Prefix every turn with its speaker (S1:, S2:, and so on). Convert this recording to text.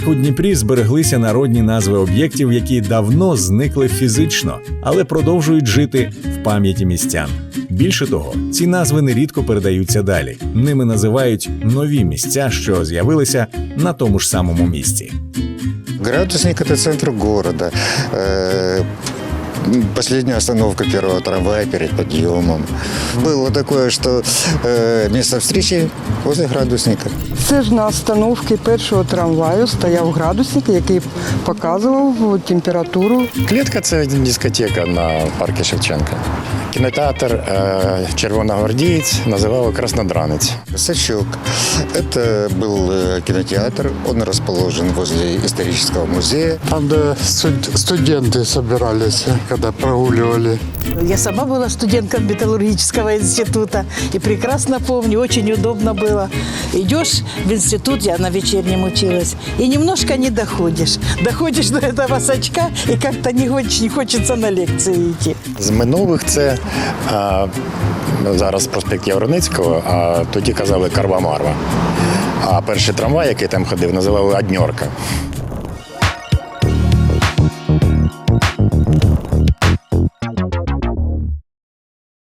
S1: У Дніпрі збереглися народні назви об'єктів, які давно зникли фізично, але продовжують жити в пам'яті містян. Більше того, ці назви нерідко передаються далі. Ними називають нові місця, що з'явилися на тому ж самому місці.
S2: Градусник – это центр города. Последняя остановка первого трамвая перед подъемом. Было такое, что место встречи возле градусника.
S3: Це ж на остановці першого трамваю стояв градусник, який показував температуру.
S4: Клітка – це дискотека на парку Шевченка. Кінотеатр «Червоногвардієць» називали «Краснодранець».
S2: Сачок – это был кинотеатр. Он расположен возле исторического музея.
S5: Там, где студенты собирались, когда прогуливали.
S6: Я сама была студентком металлургического института и прекрасно помню, очень удобно было. Идешь в институт, я на вечернем училась, и немножко не доходишь. Доходишь до этого сачка, и как-то не хочется на лекции идти.
S4: З минулих це зараз проспект Яворницького, а тоді казали Карва-Марва. А перший трамвай, який там ходив, називали «Одньорка».